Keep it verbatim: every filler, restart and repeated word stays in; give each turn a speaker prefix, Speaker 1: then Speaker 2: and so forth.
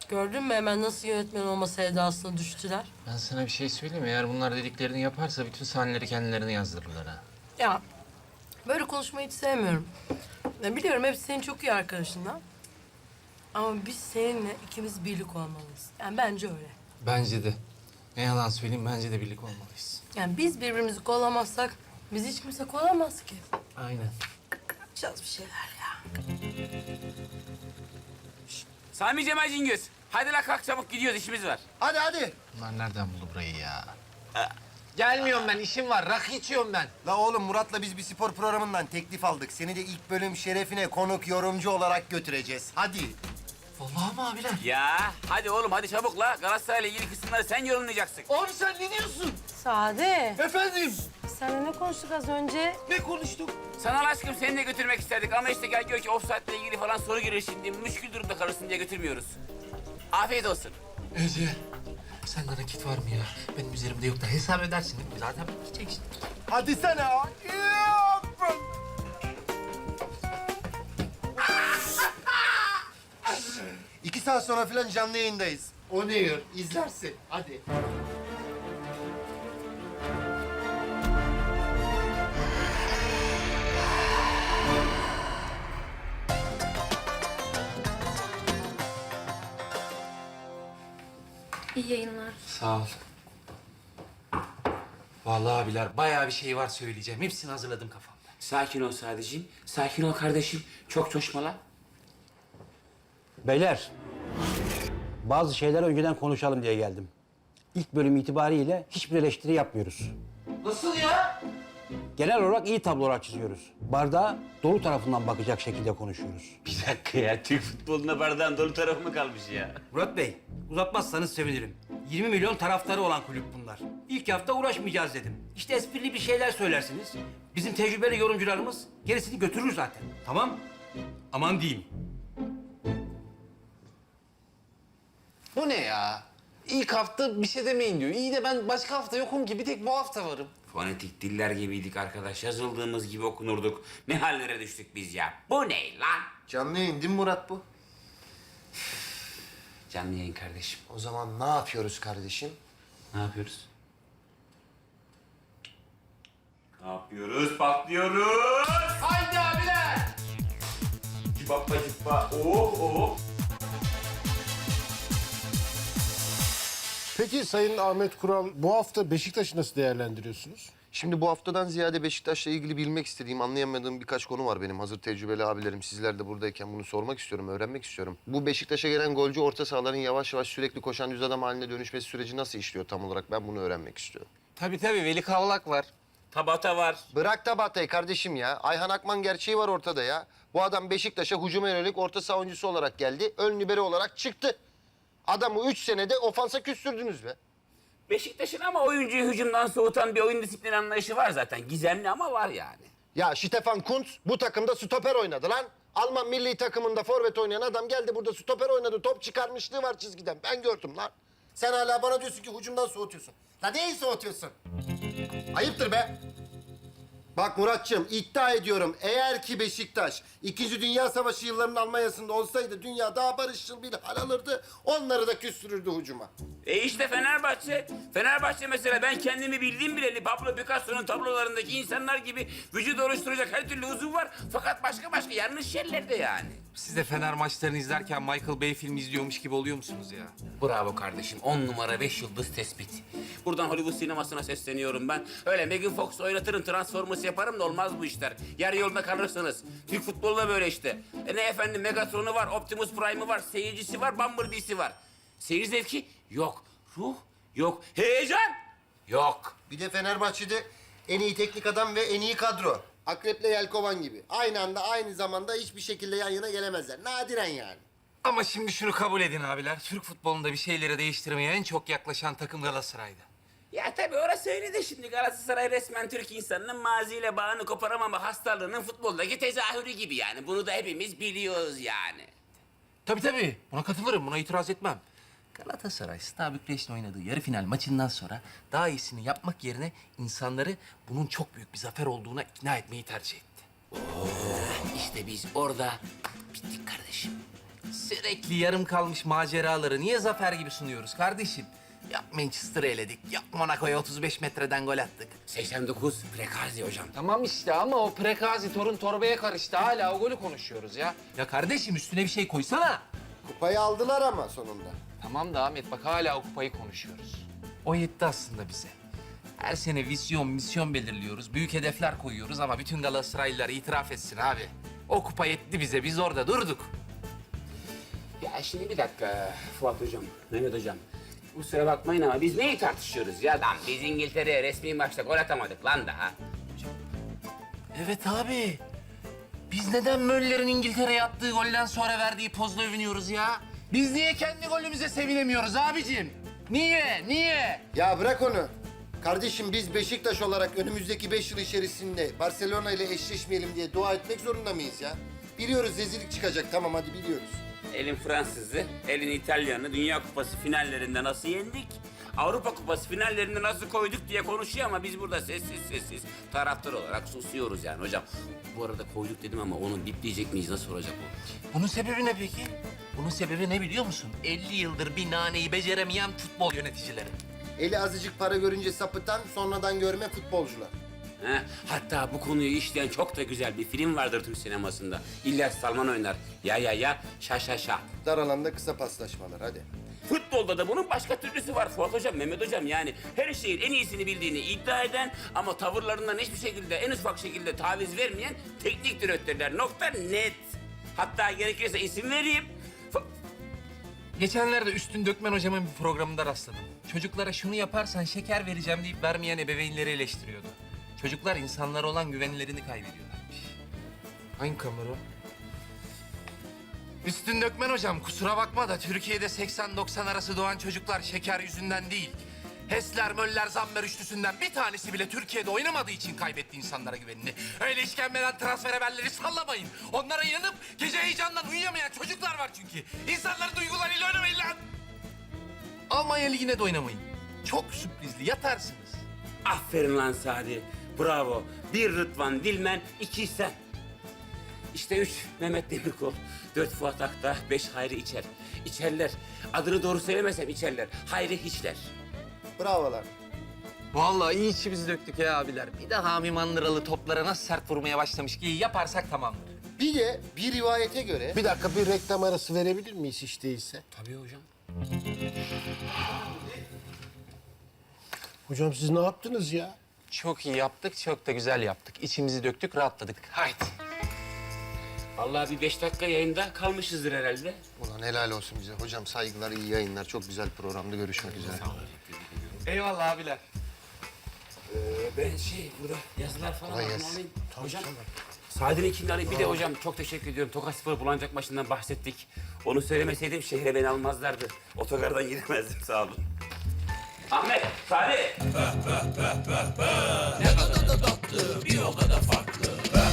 Speaker 1: Gördün mü hemen nasıl yönetmen olma sevdasına düştüler?
Speaker 2: Ben sana bir şey söyleyeyim mi? Eğer bunlar dediklerini yaparsa bütün sahneleri kendilerine yazdırırlar ha.
Speaker 1: Ya böyle konuşmayı hiç sevmiyorum. Ya, biliyorum hepsi senin çok iyi arkadaşından. Ama biz seninle ikimiz birlik olmalıyız. Yani bence öyle.
Speaker 2: Bence de. Ne yalan söyleyeyim, bence de birlik olmalıyız.
Speaker 1: Yani biz birbirimizi kollamazsak bizi hiç kimse kollamaz ki.
Speaker 2: Aynen.
Speaker 1: Yapacağız bir şeyler ya.
Speaker 3: Sami Cemal Cingöz. Hadi la kalk çabuk gidiyoruz işimiz var.
Speaker 4: Hadi hadi.
Speaker 2: Bunlar nereden buldu burayı ya? Gelmiyorum ben, işim var. Rakı içiyorum ben.
Speaker 4: La oğlum Murat'la biz bir spor programından teklif aldık. Seni de ilk bölüm şerefine konuk yorumcu olarak götüreceğiz. Hadi.
Speaker 2: Vallahi mi abiler?
Speaker 3: Ya hadi oğlum hadi çabuk la. Galatasaray'la ilgili kısımları sen yorumlayacaksın.
Speaker 2: Abi sen ne diyorsun?
Speaker 1: Sade.
Speaker 2: Efendim?
Speaker 1: Seninle ne konuştuk az önce?
Speaker 2: Ne konuştuk?
Speaker 3: Sana aşkım seni de götürmek isterdik ama işte gel gör ki offside'le ilgili falan soru girir şimdi. Müşkül durumda kalırsın diye götürmüyoruz. Afiyet olsun.
Speaker 2: Ece, sende nakit var mı ya? Benim üzerimde yok da hesap edersin değil mi? Zaten gideceksin.
Speaker 4: Hadi sana. İki saat sonra falan canlı yayındayız. O ne yer? İzlersin. Hadi.
Speaker 5: İyi yayınlar.
Speaker 2: Sağ ol. Vallahi abiler bayağı bir şey var söyleyeceğim. Hepsini hazırladım kafamda.
Speaker 3: Sakin ol sadece. Sakin ol kardeşim. Çok coşma
Speaker 6: Beyler, bazı şeyler önceden konuşalım diye geldim. İlk bölüm itibariyle hiçbir eleştiri yapmıyoruz.
Speaker 2: Nasıl ya?
Speaker 6: Genel olarak iyi tablolar çiziyoruz. Bardağa dolu tarafından bakacak şekilde konuşuyoruz.
Speaker 3: Bir dakika ya. Türk futboluna bardağın dolu tarafı mı kalmış ya?
Speaker 6: Murat Bey, uzatmazsanız sevinirim. yirmi milyon taraftarı olan kulüp bunlar. İlk hafta uğraşmayacağız dedim. İşte esprili bir şeyler söylersiniz. Bizim tecrübeli yorumcularımız gerisini götürür zaten. Tamam? Aman diyeyim.
Speaker 2: Bu ne ya? İlk hafta bir şey demeyin diyor. İyi de ben başka hafta yokum ki. Bir tek bu hafta varım.
Speaker 3: Fonetik diller gibiydik arkadaş. Yazıldığımız gibi okunurduk. Ne hallere düştük biz ya. Bu ne lan?
Speaker 4: Canlı yayın değil mi Murat bu?
Speaker 3: Canlı yayın kardeşim.
Speaker 4: O zaman ne yapıyoruz kardeşim?
Speaker 3: Ne yapıyoruz? Ne yapıyoruz? Patlıyoruz. Haydi abiler. Cibappa cibba. Oh oh.
Speaker 7: Peki Sayın Ahmet Kural, bu hafta Beşiktaş'ı nasıl değerlendiriyorsunuz?
Speaker 4: Şimdi bu haftadan ziyade Beşiktaş'la ilgili bilmek istediğim, anlayamadığım birkaç konu var benim. Hazır tecrübeli abilerim, sizler de buradayken bunu sormak istiyorum, öğrenmek istiyorum. Bu Beşiktaş'a gelen golcü orta sahaların yavaş yavaş sürekli koşan düz adam haline dönüşmesi süreci nasıl işliyor tam olarak? Ben bunu öğrenmek istiyorum.
Speaker 2: Tabii tabii. Veli Kavlak var.
Speaker 3: Tabata var.
Speaker 4: Bırak da Batay kardeşim ya. Ayhan Akman gerçeği var ortada ya. Bu adam Beşiktaş'a hücuma yönelik orta saha oyuncusu olarak geldi. Ön libero olarak çıktı. Adamı üç senede ofansa küstürdünüz be.
Speaker 3: Beşiktaş'ın ama oyuncuyu hücumdan soğutan bir oyun disiplini anlayışı var zaten. Gizemli ama var yani.
Speaker 4: Ya Stefan Kuntz bu takımda stoper oynadı lan. Alman milli takımında forvet oynayan adam geldi burada stoper oynadı. Top çıkarmışlığı var çizgiden. Ben gördüm lan. Sen hala bana diyorsun ki hücumdan soğutuyorsun. La neyi soğutuyorsun? Ayıptır be. Bak Muratçığım iddia ediyorum eğer ki Beşiktaş İkinci Dünya Savaşı yıllarının Almanya'sında olsaydı dünya daha barışçıl bir hal alırdı. Onları da küstürürdü hücuma.
Speaker 3: E işte Fenerbahçe. Fenerbahçe mesela ben kendimi bildiğim bileli Pablo Picasso'nun tablolarındaki insanlar gibi vücut oluşturacak her türlü uzun var. Fakat başka başka yanlış yerlerde yani.
Speaker 2: Siz de Fener maçlarını izlerken Michael Bay filmi izliyormuş gibi oluyor musunuz ya?
Speaker 3: Bravo kardeşim. On numara beş yıldız tespit. Buradan Hollywood sinemasına sesleniyorum ben. Öyle Megan Fox oynatırım, Transformers yaparım da olmaz bu işler. Yarı yolda kalırsınız. Türk futbolu da böyle işte. E ne efendim Megatron'u var, Optimus Prime'ı var, seyircisi var, Bumblebee'si var. Seyir zevki yok. Ruh yok. Heyecan yok.
Speaker 4: Bir de Fenerbahçe'de en iyi teknik adam ve en iyi kadro. Akrep'le Yelkovan gibi. Aynı anda aynı zamanda hiçbir şekilde yan yana gelemezler. Nadiren yani.
Speaker 2: Ama şimdi şunu kabul edin abiler. Türk futbolunda bir şeyleri değiştirmeye en çok yaklaşan takım Galatasaray'dı.
Speaker 3: Ya tabii orası öyle de şimdi Galatasaray resmen Türk insanının maziyle bağını koparamama hastalığının futboldaki tezahürü gibi yani. Bunu da hepimiz biliyoruz yani.
Speaker 2: Tabii tabii. Buna katılırım. Buna itiraz etmem. Galatasaray, Steaua Bükreş'in oynadığı yarı final maçından sonra daha iyisini yapmak yerine insanları bunun çok büyük bir zafer olduğuna ikna etmeyi tercih etti.
Speaker 3: İşte biz orada bittik kardeşim.
Speaker 2: Sürekli yarım kalmış maceraları niye zafer gibi sunuyoruz kardeşim? Yap Manchester'ı eledik, yap Monaco'ya otuz beş metreden gol attık.
Speaker 3: seksen dokuz Prekazi hocam.
Speaker 2: Tamam işte ama o Prekazi torun torbaya karıştı. Hala o golü konuşuyoruz ya. Ya kardeşim üstüne bir şey koysana.
Speaker 4: Kupayı aldılar ama sonunda.
Speaker 2: Tamam da Ahmet bak hala o kupayı konuşuyoruz. O yetti aslında bize. Her sene vizyon, misyon belirliyoruz. Büyük hedefler koyuyoruz ama bütün Galatasaraylılar itiraf etsin abi. O kupa yetti bize, biz orada durduk.
Speaker 3: Ya şimdi bir dakika Fuat hocam, Mehmet hocam. Kusura bakmayın ama biz neyi tartışıyoruz ya? Lan biz İngiltere'ye resmi maçta gol atamadık lan daha.
Speaker 2: Evet abi. Biz neden Möller'in İngiltere'ye attığı golden sonra verdiği pozla övünüyoruz ya? Biz niye kendi golümüze sevinemiyoruz abicim? Niye? Niye?
Speaker 4: Ya bırak onu. Kardeşim biz Beşiktaş olarak önümüzdeki beş yıl içerisinde Barcelona ile eşleşmeyelim diye dua etmek zorunda mıyız ya? Biliyoruz rezillik çıkacak, tamam hadi biliyoruz.
Speaker 3: Elin Fransız'ı, elin İtalyan'ı Dünya Kupası finallerinde nasıl yendik? Avrupa Kupası finallerinde nasıl koyduk diye konuşuyor ama biz burada sessiz sessiz taraftar olarak susuyoruz yani hocam. Bu arada koyduk dedim ama onu bipleyecek miyiz? Nasıl olacak o?
Speaker 2: Bunun sebebi ne peki? Bunun sebebi ne biliyor musun? elli yıldır bir naneyi beceremeyen futbol yöneticileri.
Speaker 4: Eli azıcık para görünce sapıtan, sonradan görme futbolcular.
Speaker 3: He? Hatta bu konuyu işleyen çok da güzel bir film vardır Türk sinemasında. İlyas Salman oynar. Ya ya ya, şa şa şa.
Speaker 4: Dar alanda kısa paslaşmalar, hadi.
Speaker 3: Futbolda da bunun başka türlüsü var Fuat Hocam, Mehmet Hocam. Yani her şeyin en iyisini bildiğini iddia eden ama tavırlarından hiçbir şekilde, en ufak şekilde taviz vermeyen teknik direktörler. Nokta net. Hatta gerekirse isim vereyim. Fu-
Speaker 2: Geçenlerde Üstün Dökmen hocamın bir programında rastladım. Çocuklara şunu yaparsan şeker vereceğim deyip vermeyen ebeveynleri eleştiriyordu. Çocuklar insanlara olan güvenlerini kaybediyorlarmış. Hangi kamera? Üstün Dökmen hocam kusura bakma da Türkiye'de seksen doksan arası doğan çocuklar şeker yüzünden değil. Hesler, Möller, Zammer üçlüsünden bir tanesi bile Türkiye'de oynamadığı için kaybetti insanlara güvenini. Öyle işkembeden transfer haberleri sallamayın. Onlara yanıp gece heyecandan uyuyamayan çocuklar var çünkü. İnsanların duygularıyla oynamayın lan. Almanya Ligi'ne de oynamayın. Çok sürprizli, yatarsınız.
Speaker 3: Aferin lan Sadi. Bravo. Bir Rıdvan Dilmen, iki sen. İşte üç Mehmet Demirkol, dört Fuat Akta, beş Hayri İçer. İçerler. Adını doğru söylemesem içerler. Hayri hiçler.
Speaker 4: Bravolar.
Speaker 2: Vallahi iyi içimizi döktük ya abiler. Bir daha Hami Mandıralı toplara nasıl sert vurmaya başlamış ki yaparsak tamamdır.
Speaker 4: Bir de bir rivayete göre...
Speaker 7: Bir dakika bir reklam arası verebilir miyiz hiç değilse?
Speaker 3: Tabii hocam.
Speaker 7: Hocam siz ne yaptınız ya?
Speaker 2: Çok iyi yaptık, çok da güzel yaptık. İçimizi döktük, rahatladık. Haydi.
Speaker 3: Vallahi bir beş dakika yayında kalmışızdır herhalde.
Speaker 4: Ulan helal olsun bize. Hocam saygılar, iyi yayınlar. Çok güzel programda görüşmek üzere.
Speaker 2: Eyvallah abiler.
Speaker 3: Ee, ben şey burada yazılar falan
Speaker 4: Kolay
Speaker 3: alayım.
Speaker 4: gelsin.
Speaker 3: Hocam. Sadi'nin ikini alayım. Bir de hocam çok teşekkür ediyorum. Tokat Spor Bulancak maçından bahsettik. Onu söylemeseydim şehre beni almazlardı. Otogardan giremezdim sağ olun. Ahmet, Sadi.
Speaker 5: Ne kadar da tatlı, bir o kadar farklı.